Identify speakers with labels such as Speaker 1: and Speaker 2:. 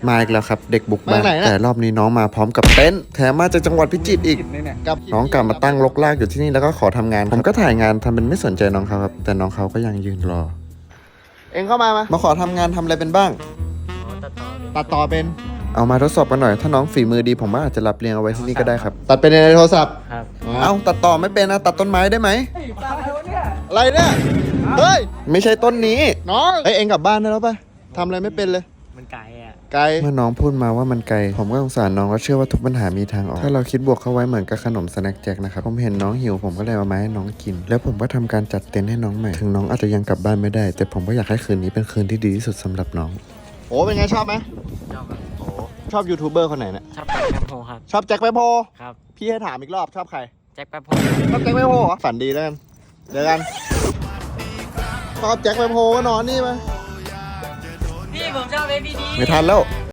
Speaker 1: มาอีกแล้วครับเด็กบุกบ้านแต่รอบนี้น้องมาพร้อมกับเต็นท์แถมมาจากจังหวัดพิจิตรอีกกับน้องกลับมาตั้งรกรากอยู่ที่นี่แล้วก็ขอทำงานผมก็ถ่ายงานทำเป็นไม่สนใจน้องเขาครับแต่น้องเขาก็ยังยืนรอเองเข้ามาขอทำงานทำอะไรเป็นบ้างตัดต่อเป็นเอามาทดสอบกันหน่อยถ้าน้องฝีมือดีผมว่าอาจจะรับเรียงเอาไว้ที่นี่ก็ได้ครับตัดเป็นในโทรศัพท์ครับเอาตัดต่อไม่เป็นนะตัดต้นไม้ได้ไหมอะไรเนี่ยเฮ้ยไม่ใช่ต้นนี้น้องเองกลับบ้านได้แล้วป่ะทำอะไรไม่เป็นเลยมันไกลเมื่อน้องพูดมาว่ามันไกลผมก็สงสารน้องแล้วเชื่อว่าทุกปัญหามีทางออกถ้าเราคิดบวกเข้าไว้เหมือนกับขนมสแน็คแจ็คนะครับผมเห็นน้องหิวผมก็เลยเอามาให้น้องกินแล้วผมก็ทำการจัดเต็นท์ให้น้องใหม่ถึงน้องอาจจะยังกลับบ้านไม่ได้แต่ผมก็อยากให้คืนนี้เป็นคืนที่ดีที่สุดสำหรับน้องโอ้เป็นไงชอบไหมชอบครับโอ้ชอบยูทูบเบอร์คนไหนเนี่ยชอบแจ็คแป๊บโฮครับชอบแจ็คแป๊บโฮครับพี่ให้ถามอีกรอบชอบใครแจ็คแป๊บโฮชอบแจ็คแป๊บโฮเหรอฝันดีแล้วกันเจอกันชอบแจ็คแป๊บโฮก็นอนนี่มาพี่ผมชอบเอพีดีไม่ทันแล้ว